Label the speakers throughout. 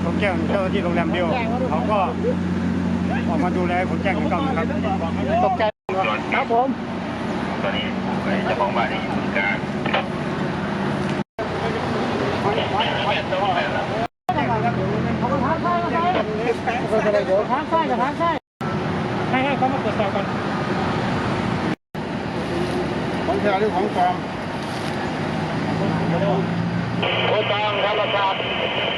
Speaker 1: ผมแจ้งเจ้าหน้าที่โรงแรมเดียวเขาก็ออกมาดูแลผมแจ้งกันครับตกใจครับผม
Speaker 2: ตอนนี้เจ้าของบ้านนี่อยู่กลาง
Speaker 1: เขาก็ทางซ้ายทางซ้ายกับทางซ้ายให้เขามาตรวจสอบกันของแท้หรือของปลอม
Speaker 2: โอ้ตามธรรมศาสตร์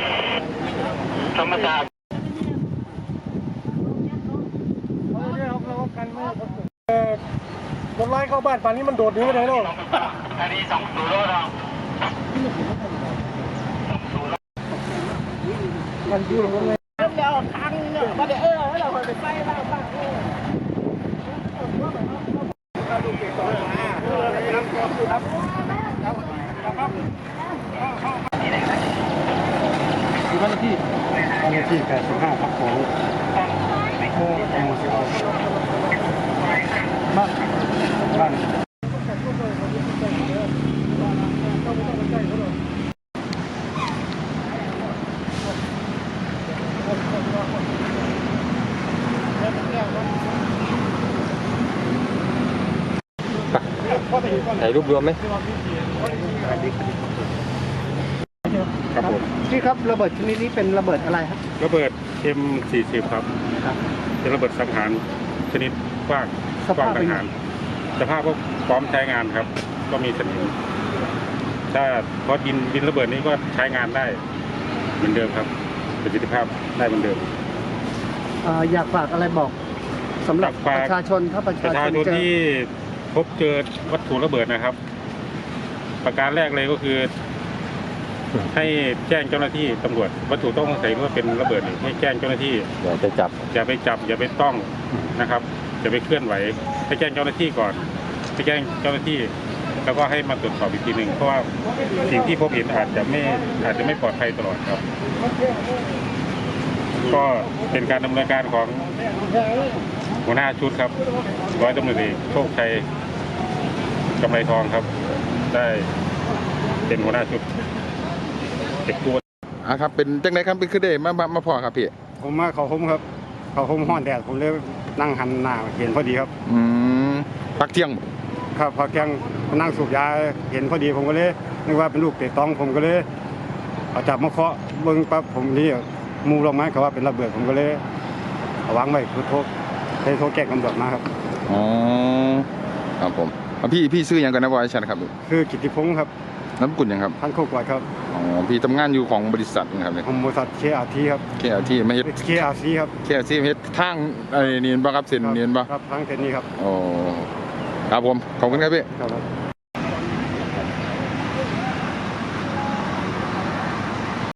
Speaker 1: คนร้ายเข้าบ้านป่านนี้มันโดดหนีไปไหนแล้ว
Speaker 2: อันนี้2 0แล้ว
Speaker 1: มันอยู่ตรงไหน
Speaker 3: แล้วทางเนี่ยมาเดี๋ยวเราไปไฟบ้าง
Speaker 1: บ้านเลขที่85ครับผมบ้าน
Speaker 4: ถ่ายรูปรวมไหมครับผม
Speaker 1: พี่ครับระเบิดชนิดนี้เป็นระเบิดอะไรครับ
Speaker 4: ระเบิด M40 ครับเป็นระเบิดสังหารชนิดกว้างสังหารสภาพก็พร้อมใช้งานครับก็มีสนิมถ้าพอดินระเบิดนี้ก็ใช้งานได้เหมือนเดิมครับประสิทธิภาพได้เหมือนเดิม
Speaker 1: อยากฝากอะไรบอกสำหรับประชาชนถ้าประชาชน
Speaker 4: ที่พบเจอวัตถุระเบิดนะครับประการแรกเลยก็คือให้แจ้งเจ้าหน้าที่ตำรวจวัตถุต้องสงสัยว่าเป็นระเบิดให้แจ้งเจ้าหน้าที่
Speaker 5: อย่าไปจับ
Speaker 4: อย่าไปต้องนะครับอย่าไปเคลื่อนไหวให้แจ้งเจ้าหน้าที่ก่อนให้แจ้งเจ้าหน้าที่แล้วก็ให้มาตรวจสอบอีกทีหนึ่งเพราะว่าสิ่งที่พบเห็นอาจจะไม่ปลอดภัยตลอดครับก็เป็นการดำเนินการของหัวหน้าชุดครับร้อยตำรวจเอกโชคชัยกำไรทองครับได้เป็นหัวหน้าชุดเก็บตัว
Speaker 5: ครับเป็นจังไดครับเป็นคือได้มาพอครับพี่
Speaker 1: ผมมาเขาผมครับเขาผมห้อนแดดผมเลยนั่งหันหน้าเห็นพอดีครับ
Speaker 5: พักเที่ยง
Speaker 1: ครับพอแกงนั่งสูบยาเห็นพอดีผมก็เลยนึกว่าเป็นลูกเตะตองผมก็เลยเอาจับมาเคาะเบิ้งปั๊บผมนี่มูลงไม้เขาว่าเป็นระเบิดผมก็เลยเอาวางไว้คือโทรแจ้งตำรวจมาครับ
Speaker 5: ครับผมพี่ซื้อยังกันนะบอยชันครับ
Speaker 1: คือกิติพงศ์ครับ
Speaker 5: น้ำกุ่นยังครับ
Speaker 1: ท่านโคกวาดครับ
Speaker 5: พี่ทำงานอยู่ของบริษัทนะครับ
Speaker 1: ของบริษัทKRTครับ
Speaker 5: KRTไม่เฮ็ด
Speaker 1: KRCครับ
Speaker 5: KRCเฮ็ดทางเนียนบ่ครับเส้นเนียนบ่
Speaker 1: ครับทางเส้นนี้ครับ
Speaker 5: ครับผมขอบคุณครับพี่
Speaker 1: ครับ